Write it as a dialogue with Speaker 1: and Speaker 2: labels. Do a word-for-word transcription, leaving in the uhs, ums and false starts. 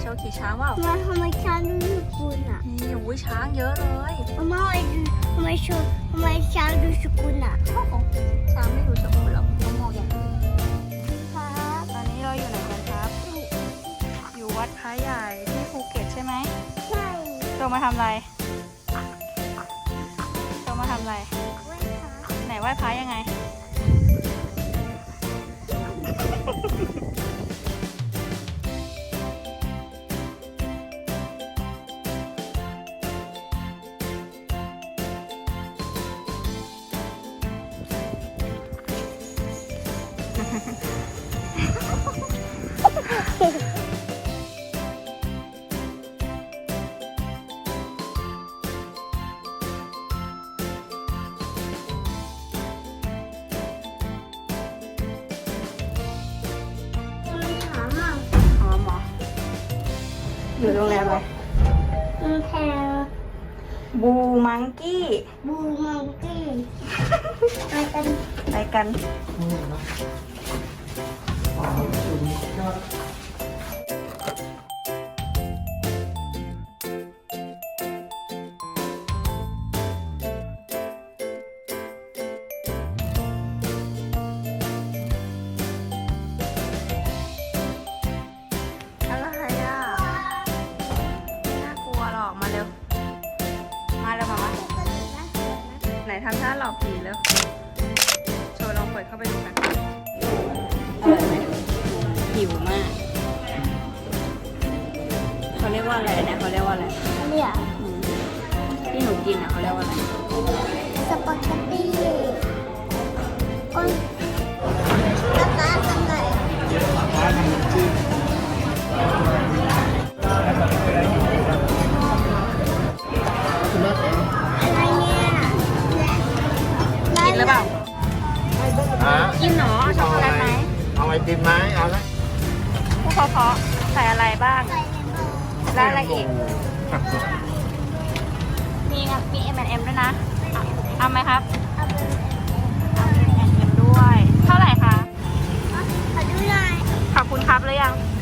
Speaker 1: โชว์ขี่ช้างเปล่า
Speaker 2: ทำไมทำไมช้างดูสกุลอ่ะ
Speaker 1: นี่โอ้ยช้างเยอะเลย
Speaker 2: ทำไมทำไมชทำไมช้างดูสกุลอ่ะ
Speaker 1: โอ้โหช้างไม่ดูสมบูรณ์หรอกเขามองอย่างอื่น
Speaker 2: ครับ
Speaker 1: ตอนนี้เราอยู่ไหนกันครับ อยู่วัดพระใหญ่ที่ภูเก็ตใช่ไหม
Speaker 2: ใช่
Speaker 1: โจมาทำอะไรโจมาทำอะไร
Speaker 2: ไว้ครับ
Speaker 1: ไหนไหว้พระยังไง
Speaker 2: มันถามอ่ะ
Speaker 1: อ๋อหมออยู่โรงแรมอะไร
Speaker 2: มันแพง
Speaker 1: บูมังกี้
Speaker 2: บูมังกี้ไปกัน
Speaker 1: ไปกัน อะไรอ่ะไม่น่ากลัวหรอก มาเร็ว มาเร็วมามาไหนทำท่าหลอกผีเร็ว โชว์ลองเปิดเข้าไปดูกันอร่อยไหมหิวมาก เขาเรียกว่าอะไรนะเขาเรียกว่าอะไร
Speaker 2: เรียก
Speaker 1: อืมที่หนูกินอ่ะเขาเรียกว่าอะไร
Speaker 2: สปาเกตตี้โอ้ยกระต่ายกระต่ายอะไรเนี่ย
Speaker 1: กินหรือเปล่า
Speaker 3: ฮะ
Speaker 1: กินหนอเอาช็อกโกแลตไหม
Speaker 3: เอาไอติมไหมเอาไหม
Speaker 1: พวกเขาเพาะใส่อะไรบ้าง
Speaker 2: ใส่เลมอน
Speaker 1: แล้วอะไรอีก มีงมี เอ็ม แอนด์ เอ็ม ด้วยนะอ่ะเอาไหมครับ
Speaker 2: เอาไป
Speaker 1: เอา เอ็ม แอนด์ เอ็ม ด้วย เท่าไหร่คะ
Speaker 2: ขอดูหน่อย
Speaker 1: ขอบคุณครับหรือยัง